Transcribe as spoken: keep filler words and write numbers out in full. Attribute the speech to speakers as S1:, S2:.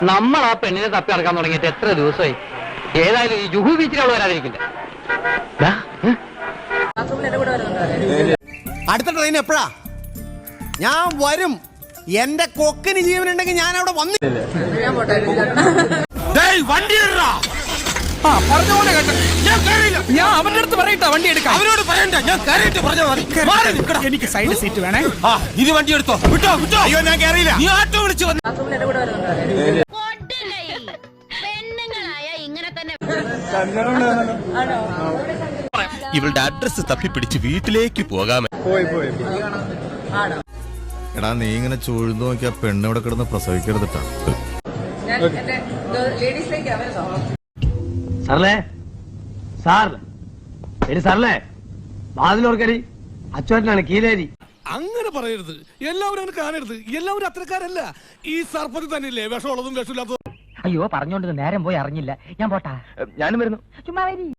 S1: നമ്മൾ ആ പെണ്ണിനെ തപ്പി നടക്കാൻ തുടങ്ങിയിട്ട് എത്ര ദിവസമായി? ഏതായാലും ഈ ജുഹു ബീച്ചിലുള്ള വരാതിരിക്കില്ല.
S2: അടുത്ത ട്രെയിൻ എപ്പോഴാ? ഞാൻ വരും. എന്റെ കൊക്കിന് ജീവനുണ്ടെങ്കിൽ ഞാൻ അവിടെ വന്നില്ല.
S3: ഞാൻ അവന്റെ അടുത്ത് പറയട്ടാ വണ്ടി എടുക്കാം.
S2: അവരോട് പറയണ്ട, ഞാൻ കയറിയിട്ട് പറഞ്ഞാൽ മതി.
S3: എനിക്ക് സൈഡ് സീറ്റ് വേണേ.
S2: ഇത് വണ്ടി എടുത്തോ. വിട്ടോ വിട്ടോ. അയ്യോ ഞാൻ കയറിയില്ല. നീ ആട്ടോ വിളിച്ചു വന്നു.
S4: ഇവളുടെ അഡ്രസ് തപ്പിപ്പിടിച്ച് വീട്ടിലേക്ക് പോകാമേ.
S5: എടാ നീ ഇങ്ങനെ ചൂഴ്ന്നു നോക്കിയാ പെണ്ണ് ഇവിടെ കിടന്ന് പ്രസവിക്കരുതിട്ടാ.
S1: സാറല്ലേ സാർ ശരി സാറല്ലേ വാതിലോർക്കടി അച്ചുവേട്ടനാണ് കീലേരി.
S6: അങ്ങനെ പറയരുത്. എല്ലാവരും അങ്ങനെ കാണരുത്. എല്ലാവരും അത്രക്കാരല്ല. ഈ സർപ്പത്തിൽ തന്നെയല്ലേ വിഷമുള്ളതും വിഷമില്ലാത്തതും.
S1: അയ്യോ പറഞ്ഞോണ്ട് നേരം പോയി അറിഞ്ഞില്ല. ഞാൻ പോട്ടാ. ഞാനും വരുന്നു. ചുമ്മാ വരി.